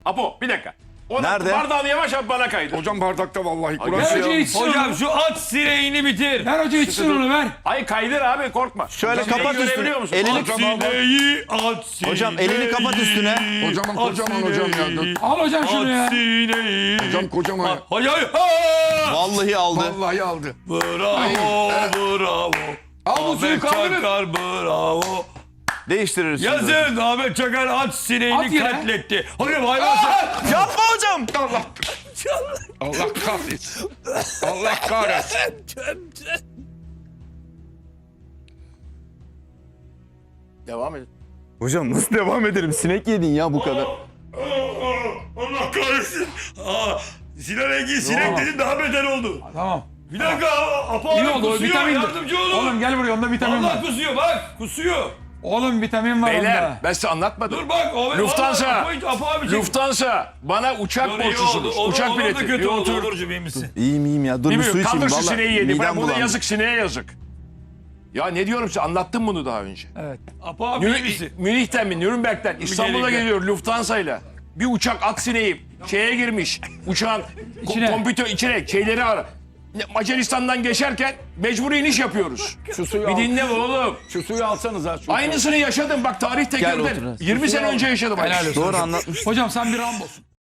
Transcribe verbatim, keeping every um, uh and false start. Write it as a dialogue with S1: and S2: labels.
S1: Apo bir dakika. O
S2: Nerede?
S1: Bardağını yavaş yap bana kaydı.
S3: Hocam bardakta vallahi Kur'an.
S4: Ver hoca içsin
S5: Hocam
S4: onu.
S5: şu at sineğini bitir.
S4: Ver hoca içsin onu ver.
S1: Hayır kaydır abi korkma.
S2: Şöyle
S1: Sineği
S2: kapat üstüne.
S1: görebiliyor musun?
S2: Elini
S5: At sineği, at sineği.
S2: Hocam elini kapat üstüne.
S3: Kocaman
S5: At
S3: kocaman hocam ya.
S5: sineği,
S4: Al hocam şunu ya.
S5: At sineği.
S3: Hocam kocaman ya.
S5: Hayır hayır. Ha!
S2: Vallahi aldı.
S3: Vallahi aldı.
S5: Bravo, bravo.
S4: Al bu suyu
S5: Ahmet
S4: kaldırın.
S5: Çakar bravo.
S2: Değiştiririz. şimdi.
S5: Yazın Ahmet Çakar at
S4: At
S5: sineğini
S4: yere.
S5: katletti. Hocam hayvan.
S2: Yapma hocam.
S3: Allah. Allah kahretsin. Allah kahretsin.
S1: Devam edin.
S2: Hocam nasıl devam ederim? Sinek yedin ya bu kadar.
S5: Allah kahretsin. Aa, Sinan Engin sinek dedin daha beter oldu.
S4: Tamam.
S5: Bir dakika Apo
S4: İyi
S5: abi
S4: oldu o
S5: kusuyor
S4: vitamin.
S5: yardımcı olun.
S4: Oğlum gel buraya onda vitamin
S5: Allah
S4: var.
S5: kusuyor bak kusuyor.
S4: Oğlum vitamin var
S1: Beyler
S4: onda.
S1: ben size anlatmadım.
S5: Dur bak. O,
S1: Lufthansa.
S5: Apo, Apo abi çek.
S1: Lufthansa bana uçak
S5: Dur, iyi oldu.
S1: borçlusunuz.
S5: Olur,
S1: Uçak
S5: olur da
S1: bileti.
S5: kötü
S1: Bir
S5: oldu.
S1: otur.
S5: Olurcu iyi misin?
S2: İyiyim iyiyim ya. Dur bir su
S1: Bilmiyorum
S2: içeyim.
S1: kaldır şu
S2: Vallahi
S1: sineği yedi. Ben
S2: midem
S1: burada
S2: bulandı.
S1: yazık sineğe yazık. Ya ne diyorum size anlattım bunu daha önce.
S4: Evet.
S5: Apo abi iyi
S1: Münih,
S5: misin?
S1: Münih'ten mi Nürnberg'den İstanbul'a
S5: geliyor.
S1: geliyor Lufthansa'yla. Bir uçak at sineği şeye girmiş. Uçağın
S4: İçine.
S1: ko- kompütör içine şeyleri ara. Macaristan'dan geçerken mecburi iniş yapıyoruz.
S3: Şu suyu
S1: Bir
S3: al.
S1: dinle oğlum.
S3: Şu suyu alsanız ha. Şu
S1: Aynısını yaşadım bak tarih
S2: otur
S1: tekerden.
S2: hadi.
S1: yirmi sene önce yaşadım.
S4: Helal olsun.
S2: Doğru anlatmış.
S4: Hocam sen bir Rambo'sun.